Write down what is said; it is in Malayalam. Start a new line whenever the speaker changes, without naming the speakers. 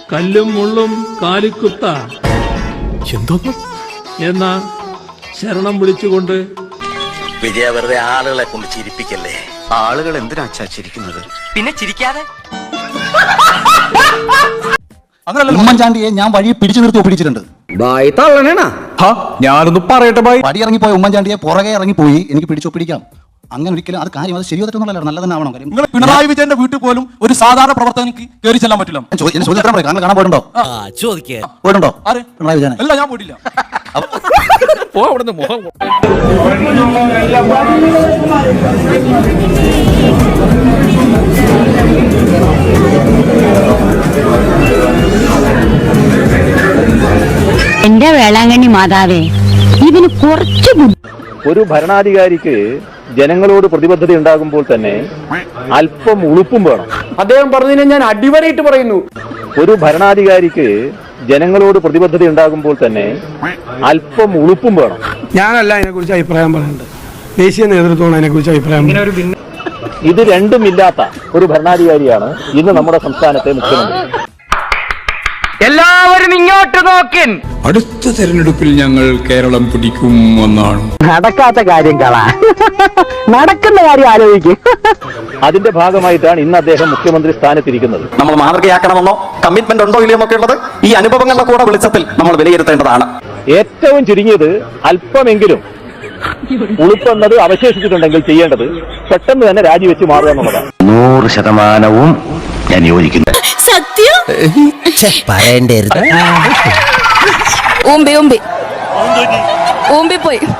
കല്ലും മുള്ളും കാലിക്കുത്ത
എന്തോന്നു
എന്ന ശരണം വിളിച്ചുകൊണ്ട്
വിജയ വെറുതെ ആളുകളെ കൊണ്ട് ചിരിപ്പിക്കല്ലേ.
ആളുകൾ എന്തിനാ ചിരിക്കുന്നത്?
പിന്നെ ചിരിക്കാതെ
ഉമ്മൻചാണ്ടിയെ ഞാൻ വഴി പിടിച്ചു നിർത്തി ഒപ്പിടിച്ചിട്ടുണ്ട്.
ഞാനൊന്ന് പറയട്ടെ ബായ്.
വടി ഇറങ്ങിപ്പോയ ഉമ്മൻചാണ്ടിയെ പുറകെ ഇറങ്ങിപ്പോയി എനിക്ക് പിടിച്ചൊപ്പിടിക്കാം. അങ്ങനെ ഒരിക്കലും അത് കാര്യം അത് ശരിയായിട്ടുള്ള നല്ല തന്നെ ആവണം. കാര്യം
നിങ്ങൾ പിണറായി വിജയന്റെ വീട്ടിൽ പോലും ഒരു സാധാരണ പ്രവർത്തകനിക്ക് കയറി ചെല്ലാൻ പറ്റില്ല.
ചോദിച്ചാൽ പറയും കാണാൻ പോയിട്ടുണ്ടോ? പോയിട്ടുണ്ടോ
ആര്?
പിണറായി വിജയൻ?
അല്ല, ഞാൻ പോയിട്ടില്ല.
എന്റെ വേളാങ്കണ്ണി മാതാവേ, ഇതിന് കുറച്ച്
ഒരു ഭരണാധികാരിക്ക് ജനങ്ങളോട് പ്രതിബദ്ധത ഉണ്ടാകുമ്പോൾ തന്നെ അല്പം ഉളുപ്പും വേണം.
അദ്ദേഹം പറഞ്ഞതിനെ ഞാൻ അടിവരയിട്ട് പറയുന്നു.
ഒരു ഭരണാധികാരിക്ക് ജനങ്ങളോട് പ്രതിബദ്ധത ഉണ്ടാകുമ്പോൾ തന്നെ അല്പം ഉളുപ്പും വേണം.
ഞാനല്ല അതിനെക്കുറിച്ച് അഭിപ്രായം പറയുന്നത്, ദേശീയ നേതൃത്വമാണ് അതിനെക്കുറിച്ച് അഭിപ്രായം.
ഇത് രണ്ടുമില്ലാത്ത ഒരു ഭരണാധികാരിയാണ് ഇന്ന് നമ്മുടെ സംസ്ഥാനത്തെ മുഖ്യമന്ത്രി.
എല്ലാവരും ഇങ്ങോട്ട് നോക്കിൻ.
അടുത്ത തെരഞ്ഞെടുപ്പിൽ ഞങ്ങൾ കേരളം പിടിക്കും എന്നാണ്.
നടക്കാത്ത കാര്യം കളാ, നടക്കുന്ന കാര്യം ആലോചിക്കും.
അതിന്റെ ഭാഗമായിട്ടാണ് ഇന്ന് അദ്ദേഹം മുഖ്യമന്ത്രി സ്ഥാനത്തിരിക്കുന്നത്.
നമ്മൾ മാതൃകയാക്കണമെന്നോ കമ്മിറ്റ്മെന്റ് ഉണ്ടോ ഇല്ലയോ എന്നൊക്കെ ഉള്ളത് ഈ അനുഭവങ്ങളുടെ കൂടെ വെളിച്ചത്തിൽ നമ്മൾ വിലയിരുത്തേണ്ടതാണ്.
ഏറ്റവും ചുരുങ്ങിയത് അല്പമെങ്കിലും ഉളുപ്പെന്നത് അവശേഷിച്ചിട്ടുണ്ടെങ്കിൽ ചെയ്യേണ്ടത് പെട്ടെന്ന് തന്നെ രാജിവെച്ച് മാറുക എന്നുള്ളതാണ്.
100% ഞാൻ യോജിക്കുന്നു.
സത്യം
പറയണ്ടേ?
ഓമ്പി പോയി.